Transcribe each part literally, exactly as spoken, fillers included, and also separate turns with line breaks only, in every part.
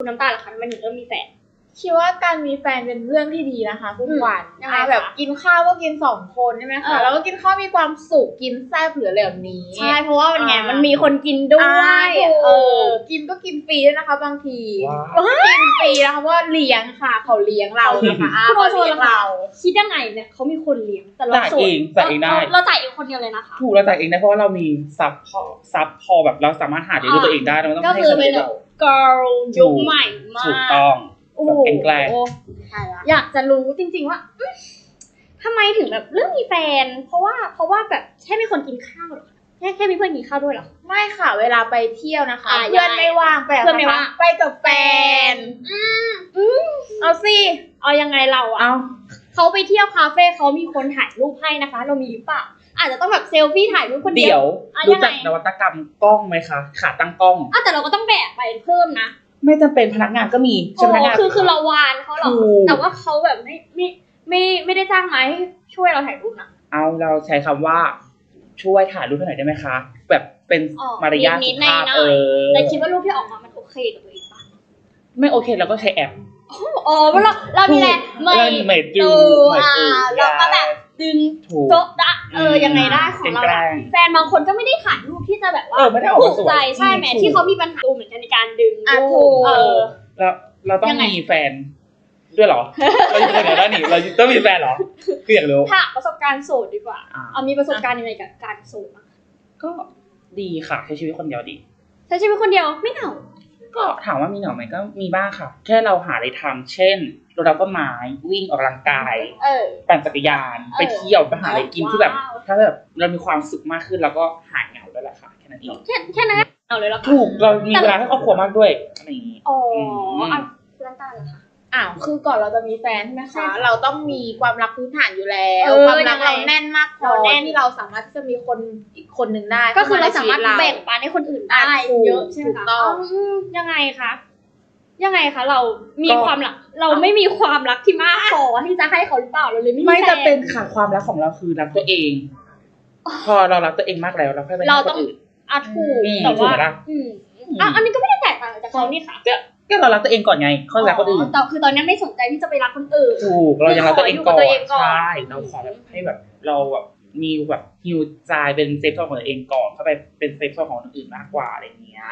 คุณน้ำตาลล่ะคะทำไมถึงเริ่มมีแฟน
คิดว่าการมีแฟนเป็นเรื่องที่ดีนะคะคุณขวัญแบบกินข้าวก็กินสองคนใช่ไหมคะแล้วก็กินข้าวมีความสุขกินแซ่บเหลือแบบนี้
ใช่เพราะว่ามันไงมันมีคนกินด้วย
เออกินก็กินฟรีด้วยนะคะบางทีกินฟรีนะคะเพราะเลี้ยงค่ะเขาเลี้ยงเรานะคะ
เขาเลี้ยงเราคิดยังไงเนี่ยเขามีคนเลี้ยงแต่เรา
จ่ายเองจ่ายเองได้
เราจ่ายเองคนเดียวเลยนะคะ
ถูกเราจ่ายเองได้เพราะว่าเรามีซับพอซับพอแบบเราสามารถหาเลี้ยงตัวเองได้เราไม่ต้องให้คนอื่นเรา
girl ยุคใหม่มาก
ถูกต้องแบบแกล้ง
อยากจะรู้จริงๆว่าทำไมถึงแบบเรื่องมีแฟนเพราะว่าเพราะว่าแบบแค่มีคนกินข้าวหรอแค่แค่มีเพื่อนกินข้าวด้วยหรอ
ไม่ค่ะเวลาไปเที่ยวนะคะเพื่อนไม่ว่างไปเพื่อนไม่ว่างไปกับแฟนอืมอืมเอาสิ
เอายังไงเราอ่ะเขาไปเที่ยวคาเฟ่เขามีคนถ่ายรูปให้นะคะเรามีหรือเปล่าอาจจะต้องแบบเซลฟี่ถ่ายรูปคนเดียว
รู้จักนวัตกรรมกล้องไหมคะขาตั้งกล้อง
อ่ะแต่เราก็ต้องแบกไปเพิ่มนะ
ไม่จำเป็นพนักงานก็มี
ใช่ไหมคือคือเราวานเขาหรอกแต่ว่าเขาแบบไม่ไม่ไม่ไม่ได้จ้างมาให้ช่วยเราถ่ายรูปนะ
เอาเราใช้คำว่าช่วยถ่ายรูปให้หน่อยได้ไหมคะแบบเป็นมารยาทสุภาพเออ
แต่คิดว่ารูปที่ออกมามันโอเคกับตัวเองปะ
ไม่โอเคเราก็ใช้แอป
อ๋อเราเรามีอะไร
ไม่ไม่ดู
อ่าเราก็แบบดึงโต๊ะดะเออยังไงได้ของเราแฟนบางคนก็ไม่ได้ถ่ายรูปที่จะแบบว่าถูกใจใช่ไหมที่เขามีปัญหาเหมือนกันในการดึงรูปเออ
เราเราต้องมีแฟนด้วยเหรอเราอยู่ในไหนได้หนิเราต้องมีแฟนเหรอคืออยากรู้
ถ้าประสบการณ์โสดดีกว่าเอามีประสบการณ์ยังไงกับการโสด
ก็ดีค่ะใช้ชีวิตคนเดียวดี
ใช้ชีวิตคนเดียวไม่เหงา
ก็ถามว่ามีเหงาไหมก็มีบ้างค่ะแค่เราหาอะไรทำเช่นรดน้ำต้นไม้วิ่งออกกำลังกายปั่นจักรยานไปเที่ยวไปหาอะไรกินที่แบบถ้าแบบเรามีความสุขมากขึ้นแล้วก็หายเหงาด้วยแหละค่ะแค่นั้นเอง
แค่แค่นั้นเหงาเลยหรอ
ถูกเรามีเวลาให้ครอบครัวมากด้วยอะไรอย่างนี้
อ๋ออ่ะเรื่องการเหรอคะ
อ้าวคือก่อนเราจะมีแฟนใช่ไหมคะเราต้องมีความรักพื้นฐานอยู่แล้วความรักเราแน่นมากพอที่เราสามารถที่จะมีคนอีกคนหนึ่งได้
ก็คือเราสามารถแบ่งปันให้คนอื่นได้เยอะใช่ไหมคะยังไงคะยังไงคะเรามีความรักเราไม่มีความรักที่มากพอที่จะให้เขาหรือเปล่าเราเลยไม่
ไม่จะเป็นค่ะความรักของเราคือรักตัวเองพอเรารักตัวเองมากแล้วเราค่อยไปให้คนอื่น
อ่ะถูกแต่ว่าอืมอ่ะอันนี้ก็ไม่ได้แตกต่างจากเขานี่ค่ะ
ก็เรารักตัวเองก่อนไงค่อยรักคนอื่น
แต่คือตอนนี้ไม่สนใจที่จะไปรักคนอื่น
ถูกเรายังรักตัวเองก่อนใช่เราขอแบบให้แบบเราแบบมีแบบฮิวใจเป็นเซฟโซนของตัวเองก่อนเข้าไปเป็นเซฟโซนของคนอื่นมากกว่าอะไรอย่างเงี้ย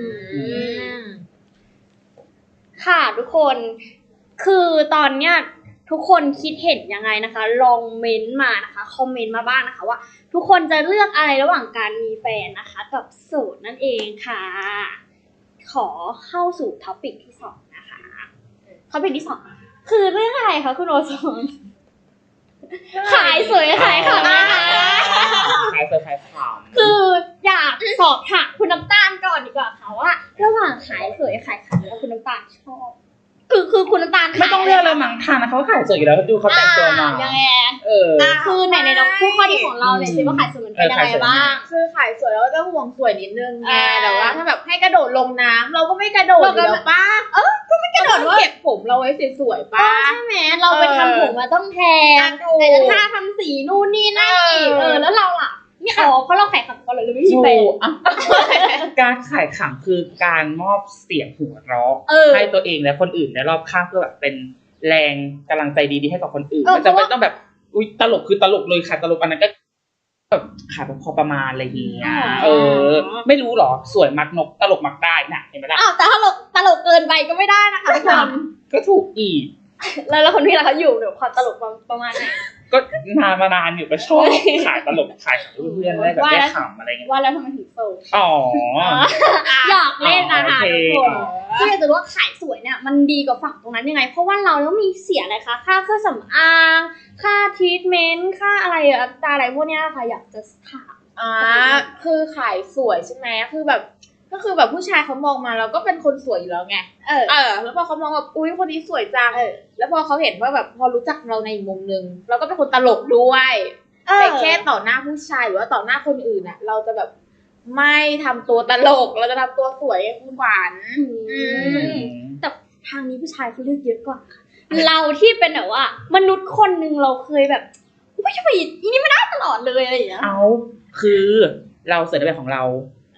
ค่ะทุกคนคือตอนเนี้ยทุกคนคิดเห็นยังไงนะคะลองเม้นต์มานะคะคอมเมนต์มาบ้างนะคะว่าทุกคนจะเลือกอะไรระหว่างการมีแฟนนะคะกับโสดนั่นเองค่ะขอเข้าสู่ท็อปิกที่สองนะคะท็อปิกที่สองคือเรื่องอะไรคะคุณโอโซนขายสวยขายขำนะคะ
ขายสวยขายขำ
คืออยากสอบถามคุณน้ำตาลก่อนดีกว่าค่ะว่าระหว่างขายสวยขายขำแล้วคุณน้ำตาลชอบคือคือคุณน้ำตาล
ไม่ต้องเลือกเลยมั้งทางนะเขาขายสวยอยู่แล้วดูเขาแต่งตัวมา
ยังไง
เออ
คือไหนในน้องคู่ข้อดีของเราเนี่ยสิว่าขายสวยมันเป็นยังไงบ้าง
คือขายสวยแล้วก็ห่วงสวยนิดนึงไงแต่ว่าถ้าแบบให้กระโดดลงน้ำเราก็ไม่กระโดดอยู่แล้วป้า
เออก็ไม่กระโดดว่า
เก็บผมเราไว้สวยๆป้า
ใช่ไหมเราไปทำผมมาต้องแพงแต่ถ้าทำสีนู่นนี่นั่นอีกเออแล้วเราล่ะนี่อ๋อเพราะเราขายขำก่อนเลยไม่มีแฟน
การขายขำคือการมอบเสียงหัวเราะให้ตัวเองและคนอื่นในรอบข้างเพื่อแบบเป็นแรงกำลังใจดีๆให้กับคนอื่นมันจะไม่ต้องแบบอุ้ยตลกคือตลกเลยค่ะตลกอันนั้นก็แบบขายพอประมาณอะไรอย่างเงี้ยเออไม่รู้หรอสวยมักนกตลกมักได้น่ะเห็นไหมล่ะ
อ้าวแต่ถ้าตลกตลกเกินไปก็ไม่ได้นะคะทุกคน
ก็ถูกอีก
แล้วแล้วคนที่เราเขาอยู่เดี๋ยวความตลกประมาณไหน
ก็นานมานานอยู่ก็ชอบขายตลกขายเพื่อนได้แบบได้ขำอะไรเงี้ย
ว่าแล้วทำไมถึงโสด
อ๋อ
อยากเล่นนะคะทุกคนที่อยากจะรู้ว่าขายสวยเนี่ยมันดีกว่าฝั่งตรงนั้นยังไงเพราะว่าเราต้องมีเสียอะไรคะค่าเครื่องสำอางค่าทรีทเมนต์ค่าอะไรอะไรพวกนี้ค่ะอยากจะถาม
อ่าคือขายสวยใช่ไหมคือแบบก็คือแบบผู้ชายเขามองมาเราก็เป็นคนสวยอยู่แล้วไงเออเออแล้วพอเขามองแบบอุ้ยคนนี้สวยจังแล้วพอเขาเห็นว่าแบบพอรู้จักเราในอีกมุมนึงเราก็เป็นคนตลกด้วยแต่แค่ต่อหน้าผู้ชายหรือว่าต่อหน้าคนอื่นน่ะเราจะแบบไม่ทำตัวตลกเราจะทำตัวสวยคุณขวัญ
แต่ทางนี้ผู้ชายเขาเลือกเยอะกว่าเราที่เป็นแบบว่ามนุษย์คนนึงเราเคยแบบไม่ใช่ไปอีนี่ไม่ได้ตลอดเลยอะไรอย่างเงี้ย
เอาคือเราเสร็จในแบบของเรา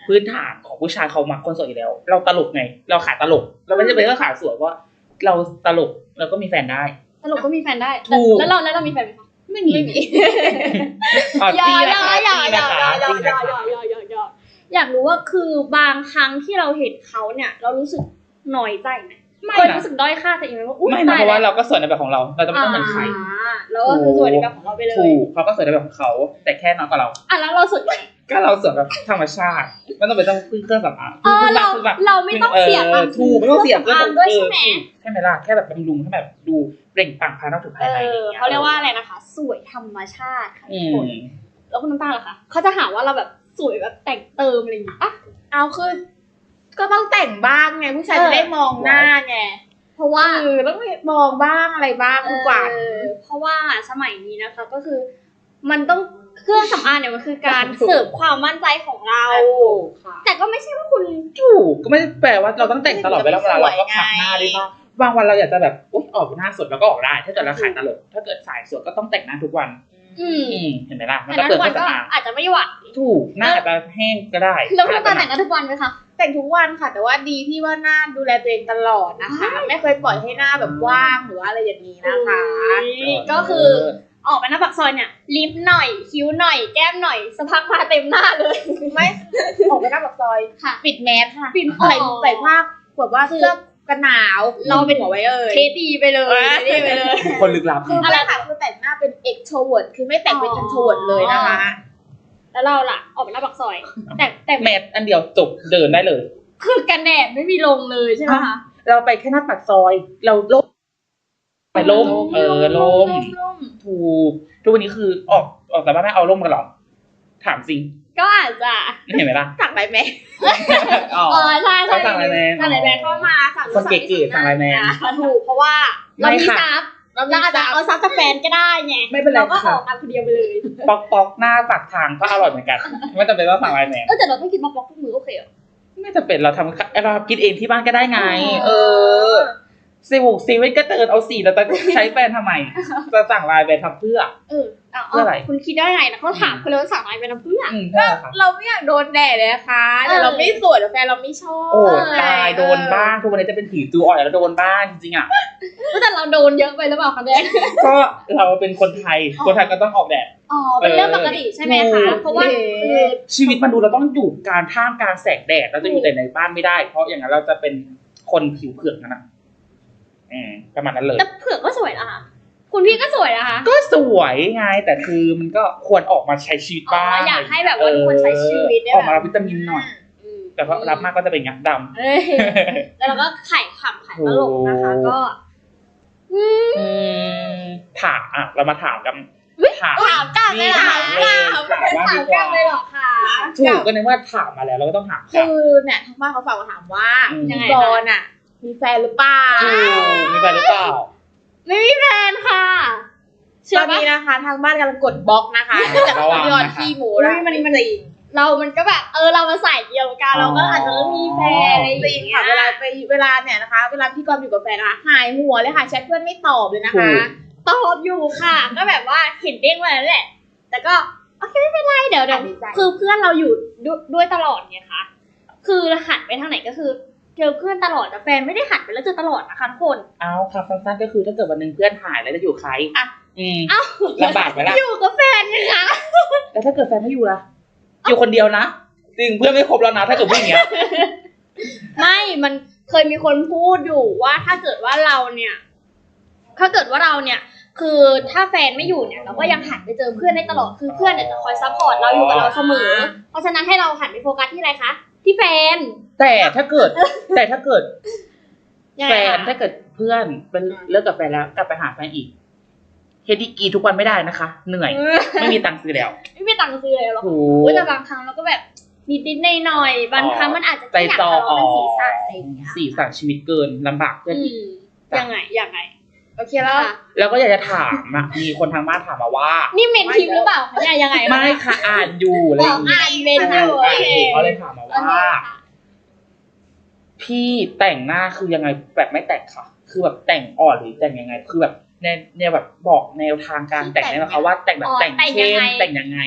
พื้นฐานของผู้ชายเขามักคนสวยอยู่แล้ว เราตลกไง เราขายตลก เราไม่จำเป็นต้องขายสวยเพราะเราตลกเราก็มีแฟนได้
ตลกก็มีแฟนได้
ถูก
แล้วเราแล้วเรามีแฟนไหมคะ
ไม่มี
ไม่มี
อ๋อ
อย่า
ตี
อ
นะ
ย่า
คะ
อย่า
ตี
อย่า
นะคะ
อย่า
ตี
อย่า
นะคะ
อย่าอย่าอย่าอยากรู้ว่าคือบางครั้งที่เราเห็นเขาเนี่ย เรารู้สึกหน่อยใจไหม
ไม่
เคย
นะ
รู้สึกด้อยค่าตัวเองไหมว่าอุ้ย
ไม่นะ
ตาย
เพราะว่า
แล้ว
เราก็สวยในแบบของเรา เราจะไม่ต้องเหมือนใคร
อ่าแล้วก็คือสวยในแบบของเราไปเลย
ถูกเขาก็สวยในแบบของเขา แต่แค่น้อยกว่าเรา
อ่ะแล้วเราสวยไหม
ก็เราสวยแบบธรรมชาติไม่ต้องไปต้องพึ่งเครื่องสำอาง
เออเรา
พึ่งแบบ
เราไม่ต้องเสียตังค์
ถูกไม่ต้องเสีย
เครื่องสำอางด้วยใช่ไหม
ใช่ไหมล่ะแค่แบบบำรุงให้แบบดูเปล่งปลั่งภายนอกถึง
เอ
ภายใน
อ
อะไรอย่างเงี้ย
เขาเรียกว่าอะไรนะคะ สวยธรรมชาติค่ะ
อื
ทุก
ม
คนแล้วคุณน้ำตาลล่ะคะเขาจะหาว่าเราแบบสวยแบบแต่งเติมอะไรอย่างงี้ปะ
เอาคือก็ต้องแต่งบ้างไงผู้ชาย
เออ
จะได้มองหน้าไง
เพราะว่า
คือต้องมองบ้างอะไรบ้างดีกว่า
เออเพราะว่าสมัยนี้นะคะก็คือ มันต้องเครื่องสำอางเนี่ยมันคือการ
ถูก
เสริมความมั่นใจของเรา
ค่ะ
แต่ก็ไม่ใช่ว่าคุณ
ถูกก็ไม่ได้แปลว่าเราต้องแต่งตลอดเวลาเวลาเราก็พักหน้าได้บ้างบางวันเราอยากจะแบบอุ๊ยออกหน้าสดเราก็ออกได้ ถ้าเกิดเราขายตลกถ้าเกิดสายสดก็ต้องแต่งหน้าทุกวัน
อืม
อืมเห็นไหมล่ะมัน
แต่
ก็
นั้น
เปลือง
ทุก
เค
วั
รื่
น
อง
ก็
สำอาง
อาจจะไม่หวัด
ถูกหน้าอาจจะแห้งก็ได้
แล้วคุณน้ำตาลแต่งกันทุกวันไหมคะ
แต่งทุกวันค่ะ แต่ว่าดีที่ว่าหน้าดูแลตัวเองตลอดนะคะ ไม่เคยปล่อยให้หน้าแบบว่างหรือว่าอะไรอย่างนี้นะคะ
ก็คือออกไปหน้าปากซอยเนี่ยลิปหน่อยคิ้วหน่อยแก้มหน่อยสักพักมาเต็มหน้าเลย
ไม่ออกไปหน้าปากซอย
ค่ะ
ปิดแมสค่ะ
ปิด
ใส่
อ๋อ
ใส่ผ้าแบบว่าเสื้อกันหนาว
เราเป็น
หัวไว้เอ่ย
เคสดีไปเลยเคสดีไปเลย
คนลึกลับ
คืออะไรค่ะคือแต่งหน้าเป็น extrovert คือไม่แต่งเป็น introvert เลยนะคะ
แล้วเราล่ะออกไปหน้าปากซอย แต่แต่
แมทอันเดียวจบเดินได้เลย
คือกันแดดไม่มีลงเลยใช่ไหมคะ
เราไปแค่หน้าปากซอย เราล่มไปล่มเออล่ม
ล่ม
ถูกทุกวันนี้คือออกออกจากบ้านไม่เอาล่มกันหรอถามจริง
ก็อาจจะ
เห็นไหมล่ะ
สั่งไรไหม
อ๋อ
เออใช่ใช่
เขาสั่งไลน์แมน
สั่งไลน์แมนเข้ามาสั่ง
คนเก๋ๆสั่งไลน์แมน
อ่ะถูกเพราะว่าเรา
ไม่
มี
ค่ะ
ซับเราอาจจะเอาซับจากแฟนก็ได้ไง
ไม่เป็นไร
เราก็อ
ค่ะ
อกอันคนเดียวไปเลย
ปอกปอกหน้าปากทางก็อร่อยเหมือนกัน ไม่จำเป็นต้องสั่งไลน์แมน
เออแต่เราต้องกินบล็อกทุกมื้อโอเคเหรอ
ไม่จำเป็นเราทำเรากินเองที่บ้านก็ได้ไง
อ๋อ
เออซีวูซีเว่นก็เตือนเอาสี่แต่ใช้แฟนทำไมจะสั่งไลน์แมนทำเพื่อ
เออเอา
เพื่ออะไร
คุณคิดได้ไงนะเขาถามคุณเลยว่าสั่งอะไรเป็นน้ำเพื่อน
อืมเพื่ออะไรคะ
เราไม่อยากโดนแดดเลยนะคะแต่
เออ
เราไม่สวยแต่แฟนเราไม่ชอบ
โอ้ตายโดนบ้างทุกวันนี้จะเป็นผีจูอ่อยแล้วโดนบ้างจริงๆอ่ะ
แต่เราโดนเยอะไปหรือเปล่าคะแม่
ก็เราเป็นคนไทย คนไทยก็ต้องออกแดด
อ๋อเป็นเรื่องปกติใช่ไหมคะเพราะว่าคือ
ชีวิตมันดูเราต้องอยู่กลารท่ามกลารแสงแดดเราจะอยู่แต่ในบ้านไม่ได้ เพราะอย่างนั้นเราจะเป็นคนผิวเผือกนะนะอืมประมาณนั้นเลย
แต่เผือกก็สวยนะคะคุณพี่ก็สวยนะคะ
ก็สวยไงแต่คือมันก็ควรออกมาใช้ชีวิต
อ๋อ
บ้าง
อยากให้แบบว่าทุกคนใช้ชีวิตได้
ออกมา
แบ
รับบ วิตามินหน่อย
อืม
แต่พอรับมากก็จะเป็นงักดำ
เอ้ยแล้วเราก็ไข่ขำไข่ตลกนะคะ
โอ้
ก็
อืมถามอ่ะเรามาถามกันถาม
ถามกลับเลยเหรอ
ถามเลยถามว่า
ถา
ดี
ม
ก
กลั
ว่า
บเลยเหรอคะ
ถูกก็ในเมื่อถามมาแล้วเราก็ต้องถามกลับ
คือเนี่ยทางบ้านเขาฝากมาถามว่า
อืม
ยังไง
ก
คะ
รณ์อ่ะ มีแฟนหรือเปล่า
ถูกมีแฟนหรือเปล่า
ไม่มีแฟนค่ะ
ต
เชื่อ
อน
ปะ
นี้นะคะ ทางบ้านกำลังกดบล็อกนะคะเนื่องจาก
ระวัง
ยอด
นะคะ
ขี้หมู
อุ๊
แล้ว
ยมัน
ไม่
มัน
จริง
เรามันก็แบบเออเรามาใส่เดียวกันเราก็อาจจะต้องมีแฟนอะไรอ
จริง
ย่างเงี้
ค่ะ
ย
เวลาไปเวลาเนี่ยนะคะ เวลาพี่กรณ์อยู่กับแฟนนะคะหายหัวเลยค่ะแชทเพื่อนไม่ตอบเลยนะ
ถู
คะ
ก
ตอบอยู่ค่ะ ก็แบบว่าเห็นเด้งมาแล้วแหละ แต่ก็โอเคไม่เป็นไรเดี๋ยวเดี๋ยว
ดีใจ
คือเพื่อนเราอยู่ด้วยด้วยตลอดไงคะคือหันไปทางไหนก็คือเจอเพื่อนตลอดแต่แฟนไม่ได้หันไปแล้วเจอตลอดนะคะทุกคน
เอาค่ะสั้นๆก็คือถ้าเกิดวันหนึ่งเพื่อนหายแล้วจะอยู่ใคร
อ่ะ
อืม
เอ้า
ลำบากไหมล่ะ
อยู่กับแฟนไงคะ
แล้วถ้าเกิดแฟนไม่อยู่ล่ะ อยู่คนเดียวนะจริงเพื่อนไม่ครบแล้วนะถ้าเกิดพูดอย่างเงี้ย
ไม่มันเคยมีคนพูดอยู่ว่าถ้าเกิดว่าเราเนี่ย ถ้าเกิดว่าเราเนี่ย คือถ้าแฟนไม่อยู่เนี่ยเราก็ยังหันไปเจอเพื่อนได้ตลอดคือเพื่อนเนี่ยจะคอยซัพพอร์ตเราอยู่กับเราเสมอ เพราะฉะนั้นให้เราหันไปโฟกัสที่อะไรคะที่แฟน
แต่ถ้าเกิด แต่ถ้าเกิด
ยัง
แฟ
ไง
น
คะ
ถ้าเกิดเพื่อนเป็นเลิกกับแฟนแล้วกลับไปหาแฟนอีกเฮดดี้กีทุกวันไม่ได้นะคะ เหนื่อย ไม่มีตังค์ซื้อแล้ว
ไม่มีตังค์ซื้อเลยหรอก
ถู
อุ๊ย
ก
แต่บางครั้งเราก็แบบนิดๆหน่อยๆบางครั้งมันอาจจะ
ใจ
แค่อยาก
จอ
ทะเลาะ
อ๋อ
กันสีสันอะไรอย่างเงี้ย
สีสันชีวิตเกินลำบากเพื่อน
อื
อีก
มยังไงยังไง
โอเคแล้ว
ค่ะ
แล้วก็อยากจะถามอ่ะมีคนทางบ้านถามมาว่า
นี่เมนทิมหรือเปล่าคะเนี่ยยังไง
ไม่ค่ะอ่านอยู่อะไรอย่างเงี้ย
อ่านเมน
อ่าน
อยู่
อ่านอยู่เขาเลยถามมา
โอเค
ว่า
ค่ะ
พี่แต่งหน้าคือยังไงแบบไม่แต่งค่ะ คือแบบแต่งอ่อนหรือแต่งยังไง คือแบบในเนี่ยแบบบอกแนวทางการแต่งได้ไหมคะว่าแต่งแบบแต่งเข้มแต่งยังไงอะไรอย่างเงี้ย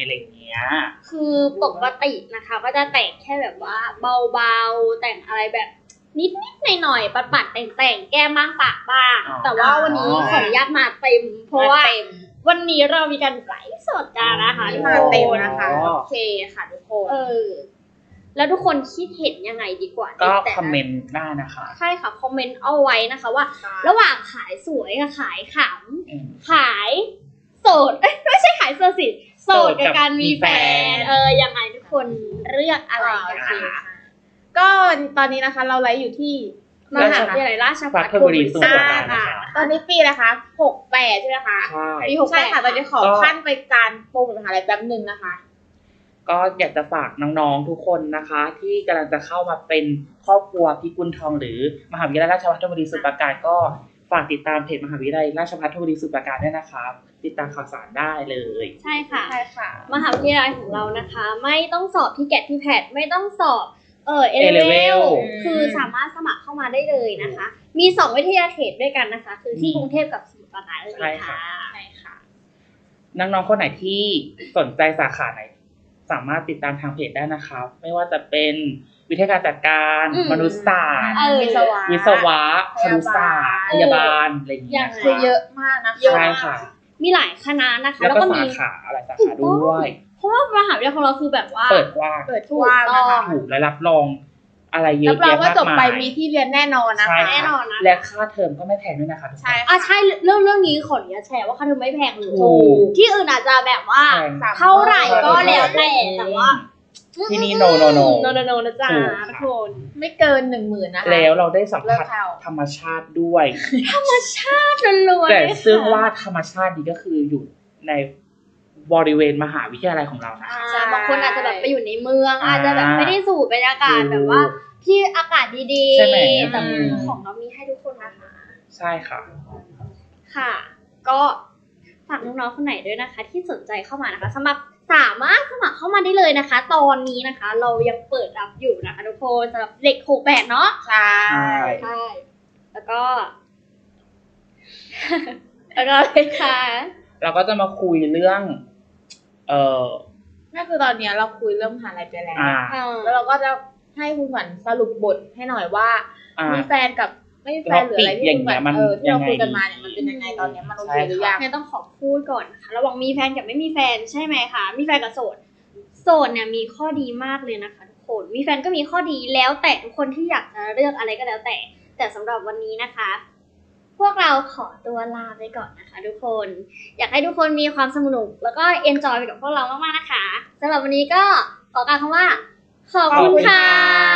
เงี้ย
คือปกตินะคะก็จะแต่งแค่แบบว่าเบาๆแต่งอะไรแบบนิดๆหน่อยๆปัดๆแต่งๆแก้มบ้างปากบ้างแต่ว่าวันนี้ขออนุญาตมาเต็มเพราะว่าวันนี้เรามีการไลฟ์สดกันนะคะทุก
มา
คน
เต็มนะคะโอเคค่ะทุกคน
เออแล้วทุกคนคิดเห็นยังไงดีกว่า
ก็
แต่
คอมเมนต์ได้นะคะ
ใช่ค่ะคอมเมนต์เอาไว้นะคะว่า ระหว่างขายสวยกับขายข
อืม
ำขายโสดเอ้ยไม่ใช่ขายโสดสิโสดกับการมีแฟนเออยังไงทุกคนเลือกอะไรกันคะ
ก็ตอนนี้นะคะเราไลฟ์อยู่ที่
มหาวิทยาลัยราชภัฏ
ธนบุรีสมุทรปราการนะคะ
ตอนนี้ปีนะคะหกแปดใช่ไหมคะ
ใช่
ปีหกแปด
ใช่ค่ะตอนนี้ขอขั้นไปการโปรโมทมหาลัยแป๊บนึงนะคะ
ก็อยากจะฝากน้องๆทุกคนนะคะ ที่กำลังจะเข้ามาเป็นครอบครัวพิกุลทองหรือมหาวิทยาลัยราชภัฏธนบุรีสมุทรปราการก็ฝากติดตามเพจมหาวิทยาลัยราชภัฏธนบุรีสมุทรปราการด้วยนะคะติดตามข่าวสารได้เลย
ใช่ค่ะ
ใช่ค่ะ
มหาวิทยาลัยของเรานะคะ ไม่ต้องสอบที่แกะที่แพดไม่ต้องสอบเออเอ
A
เลเว
level
ลคือสามารถสมัครเข้ามาได้เลยนะคะ มีสองวิทยาเขตด้วยกันนะคะ คือที่กรุงเทพกับสมุทรปราการเลย
ใช่ค่ะ
ค่ะ
ใช่ค่ะ
น้องๆคนไหนที่สนใจสาขาไหน สามารถติดตามทางเพจได้นะครับไม่ว่าจะเป็นวิทยาการจัดการ
อืม
มนุษยศาสตร์
เออ
วิศวะ
วิศวะครุศาสตร์พยาบาลอะไรอย่างเงี้ย
อย่าง
คือเยอะมากนะคะ
ใช่ค่ะ
มีหลายคณะนะคะ
แล้ว
แล้ว
ก็
ก็
สา
มี
ขาอะไรสาขาด้วย
เพราะว่ามหาวิทยาลัยของเราคือแบบว่า
เปิดกว้าง
เปิดกว้างนะคะ
ถูกและรับรองอะไรเย
รั
อะ
บรอง
แยะ
ว่าจ
มาก
บไป
มาย
มีที่เรียนแน่นอนนะ
ใช่
คะ
แน่นอนนะ
และค่าเทอมก็ไม่แพงด้วยนะคะทุกคน
ใช่
อ่ะ
ค่ะ
ใช่เรื่องเรื่องนี้ขออนุญาตแชร์ว่าค่าเทอมไม่แพงเลย
ถูก
ที่อื่นอาจจะแบบว่า
แพง
เท่าไหร่ก็แล้วแต่แต่ว่า
ที่นี่ no no no
โนโนโนนะจ๊ะ
ถูกค่ะ
ทุกคน
ไม่เกินหนึ่งหมื่นนะคะ
แล้วเราได้สัม
เลิ
ผัส
กเข้า
ธรรมชาติด้วย
ล้วนๆ
แต่
เลยค่ะ
ซึ่งว่าธรรมชาตินี้ก็คืออยู่ในบริเวณมหาวิทยาลัยของเรานะคะ
ใช่บางคนอาจจะแบบไปอยู่ในเมือง
อ่า
อาจจะแบบไม่ได้สูดบรรยากาศ
ถูก
แบบว่าที่อากาศดี
ใช่ไหม
ๆแต่
อืม
ของเรามีให้ทุกคนนะคะ
ใช่ค่ะ
ค่ะ ก็ฝากน้องๆคนไหนด้วยนะคะ ที่สนใจเข้ามานะคะสมัครสามารถสมัครเข้ามาได้เลยนะคะ ตอนนี้นะคะ เรายังเปิดรับอยู่นะคะทุกคนสำหรับเด็กหกแปดเนาะ
ใช่
ใช่แล้วก็ แล้วก็เลยค่ะ
เราก็จะมาคุยเรื่อง เอ่อ
นั่นคือตอนเนี้ยเราคุยเรื่องมหาลัยไปแล้ว
อ่า
แล้วเราก็จะให้คุณขวัญสรุปบทให้หน่อยว่า
อ่า
มีแฟนกับไม่มีแฟนหรืออะไรที่คุณขวัญ
มัน
เออที่เรา
ยังไง
คุยกันมาเนี่ยมันเป็นยังไงตอนเนี้ยมันโอเคหรือยัง
เนี่ยต้องขอพูดก่อนนะคะระหว่างมีแฟนกับไม่มีแฟนใช่ไหมคะมีแฟนกับโสดโสดเนี่ยมีข้อดีมากเลยนะคะทุกคนมีแฟนก็มีข้อดีแล้วแต่ทุกคนที่อยากจะเลือกอะไรก็แล้วแต่ แต่สำหรับวันนี้นะคะ พวกเราขอตัวลาไปก่อนนะคะ ทุกคนอยากให้ทุกคนมีความสนุกแล้วก็เอนจอยไปกับพวกเรามากๆนะคะสำหรับวันนี้ก็ขอกล่าวคำว่าขอบคุณค่ะ